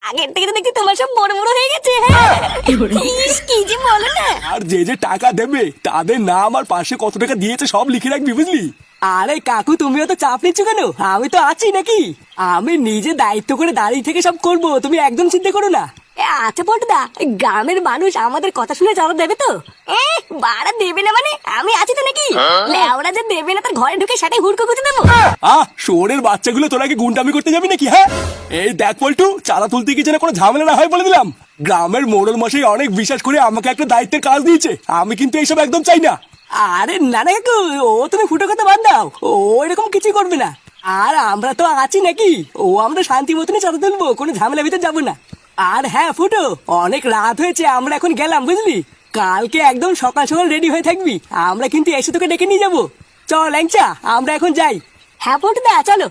আগের থেকে তো দেখছি তোমার সব বড় বড় হয়ে গেছে। হ্যাঁ ইস, কি যে বলো না। আর যে যে টাকা দেবে তাদের নাম আর পাশে কত টাকা দিয়েছে সব লিখে রাখবি, বুঝলি? আরে কাকু, তুমিও তো চাপ নিচ্ছ কেন? আমি তো আছি নাকি। আমি নিজে দায়িত্ব করে দাঁড়িয়ে থেকে সব করব, তুমি একদম চিন্তা করো না। আচ্ছা পল্টুদা, গ্রামের মানুষ আমাদের কথা শুনে চাঁদা দেবে তো? বাড়া দেবে না মানে? আমি আছি তো নাকি? ওরা যে দেবে না তার ঘরে ঢুকে সেটাই হুড়কো গুঁজে দেবো। শোরের বাচ্চাগুলো তোরা কি গুন্ডামি করতে যাবি নাকি? হ্যাঁ, এই দেখ পল্টু, চাঁদা তুলতে কি যেন কোনো ঝামেলা না হয় বলে দিলাম। গ্রামের মোড়ল মশাই অনেক বিশ্বাস করে আমাকে একটা দায়িত্বের কাজ দিয়েছে, আমি কিন্তু এইসব একদম চাই না। আরে না না কাকু, ও তুমি ফুটো কথা বাদ দাও, ও এরকম কিছুই করবে না। আর আমরা তো আছি নাকি, ও আমরা শান্তি মতনই চাঁদা তুলবো, কোনো ঝামেলা ভিতরে যাবো না। আর হ্যাঁ ফুটো, অনেক রাত হয়েছে, আমরা এখন গেলাম বুঝলি। কালকে একদম সকাল সকাল রেডি হয়ে থাকবি, আমরা কিন্তু এসে তোকে ডেকে নিয়ে যাবো। চল ল্যাংচা, আমরা এখন যাই। হ্যাঁ পল্টুদা চলো।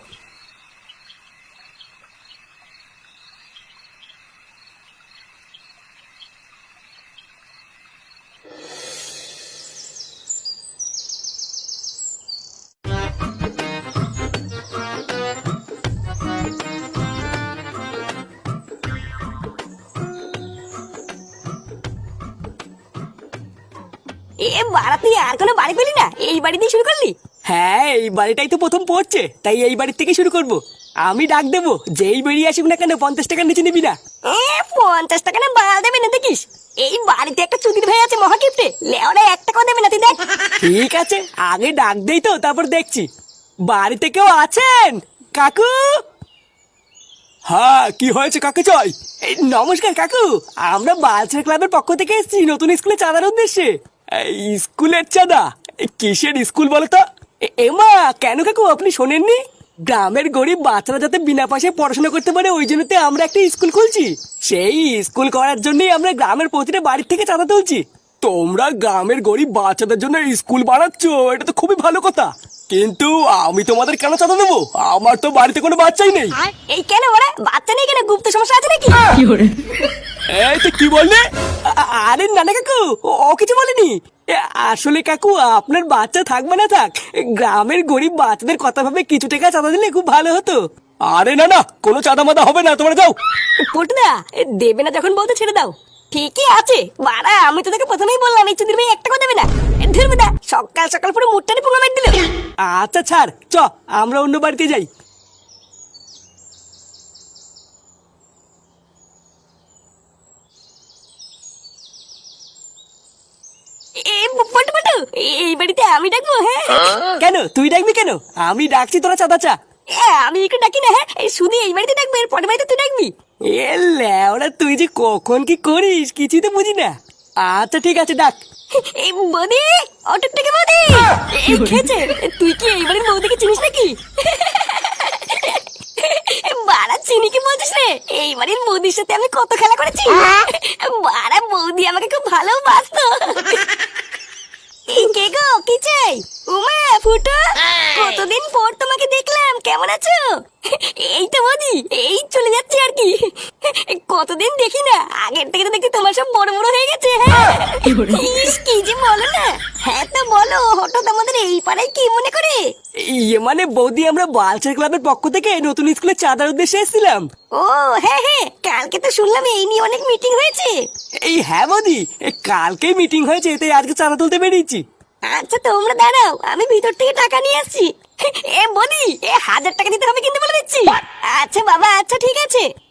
বাড়া তুই আর কোনো বাড়ি পেলি না, এই বাড়ি দিয়ে শুরু করলি? হ্যাঁ, এই বাড়িটাই তো প্রথম পড়ছে, তাই এই বাড়ির থেকে শুরু করব। আমি ডাক দেবো, যেই বেরিয়ে আসুক না কেন 50 টাকার নিচে নিবি না। 50 টাকা না বাড়া দেবে না দেখিস। এই বাড়িতে একটা চুদির ভাই আছে মহাকিপ্টে, লেওরা 1 টাকাও দেবে না, তুই দেখ। ঠিক আছে, আগে ডাক দেই তো, তারপর দেখছি। বাড়িতে কেউ আছেন? কাকু? হ্যাঁ, কি হয়েছে? কাকে চাই? এই, নমস্কার কাকু, আমরা বালচার ক্লাবের পক্ষ থেকে এসেছি নতুন স্কুলে চাঁদার উদ্দেশ্যে। এই স্কুলের চাঁদা? কিসের স্কুল বলো তো? এমা, কেন কাকু আপনি শোনেননি? গ্রামের গরিব বাচ্চারা যাতে বিনা পয়সায় পড়াশোনা করতে পারে, ওই জন্যতে আমরা একটা স্কুল খুলছি। সেই স্কুল করার জন্যই আমরা গ্রামের প্রতিটা বাড়ির থেকে চাঁদা তুলছি। তোমরা গ্রামের গরিব বাচ্চাদের জন্য স্কুল বানাচ্ছ, এটা তো খুবই ভালো কথা। কিন্তু আমি তোমাদের কেন চাঁদা দেবো? আমার তো বাড়িতে কোনো বাচ্চাই নেই। এই কেন ওরা বাচ্চা নেই কেন? গুপ্ত সমস্যা আছে নাকি? এই তো কি বললে? আরে নানা কাকু, ও কিছু বলেনি। আসলে কাকু, আপনার বাচ্চা থাকবে না থাক, গ্রামের গরিব বাচ্চাদের কথা ভাবে কিছু টাকা চাঁদা দিলে খুব ভালো হতো। আরে না না, কোনো চাঁদা মাদা হবে না, তোমরা যাও। পল্টুদা, দেবে না যখন বলতে ছেড়ে দাও। ঠিকই আছে বাড়া, আমি তো তোকে প্রথমেই বললাম এই চুদির ভাই 1 টাকাও দেবে না। ধরবে না, সকাল সকাল পুরো মুটটানি পুঙ্গা মেরে দিল। আচ্ছা ছাড়, চ আমরা অন্য বাড়িতে যাই। পল্টু পল্টু, এই বাড়িতে আমি ডাকবো? হ্যাঁ কেন তুই ডাকবি কেন? আমি ডাকছি, তোরা চাঁদা চা। আমি একটু ডাকি না। হ্যাঁ শুধু এই বাড়িতে ডাকবো, এর পরের বাড়িতে তুই ডাকবি? এ ল্যাওড়া, তুই যে কখন কি করিস কিছুই তো বুঝি না। আচ্ছা ঠিক আছে, ডাক। এই বৌদি, অটোর থেকে বৌদি। এই খেয়েছে, তুই কি এই বাড়ির বৌদিকে চিনিস নাকি? বাড়া চিনি কি বলছিস রে? এই বাড়ির বৌদির সাথে আমি কত খেলা করেছি। বাড়া বৌদি আমাকে খুব ভালোবাসতো। কে গো, কি চাই? উমা, ফুটো, কতদিন পর তোমাকে দেখলাম, কেমন আছো? এই তো বৌদি, এই চলে যাচ্ছে আর কি। কতদিন দেখি না, আগের থেকে তো দেখি তোমার সব বড় বড় হয়ে গেছে। হ্যাঁ ইস, কি যে বলো না। হ্যাঁ তো বলো, হঠাৎ আমাদের এই পাড়ায় কি মনে করে? ইয়ে মানে বৌদি, আমরা বালচার ক্লাবের পক্ষ থেকে নতুন স্কুলে চাঁদার উদ্দেশ্যে এসেছিলাম। ও হ্যাঁ হ্যাঁ, কালকে তো শুনলাম এই নিয়ে অনেক মিটিং হয়েছে। এই হ্যাঁ বৌদি, কালকেই মিটিং হয়েছে, তাই আজকে চাঁদা তুলতে বেরিয়েছি। আচ্ছা তোমরা দাঁড়াও, আমি ভিতর থেকে টাকা নিয়ে আসছি। বৌদি, 1000 টাকা দিতে হবে কিন্তু বলে দিচ্ছি। আচ্ছা বাবা, আচ্ছা ঠিক আছে।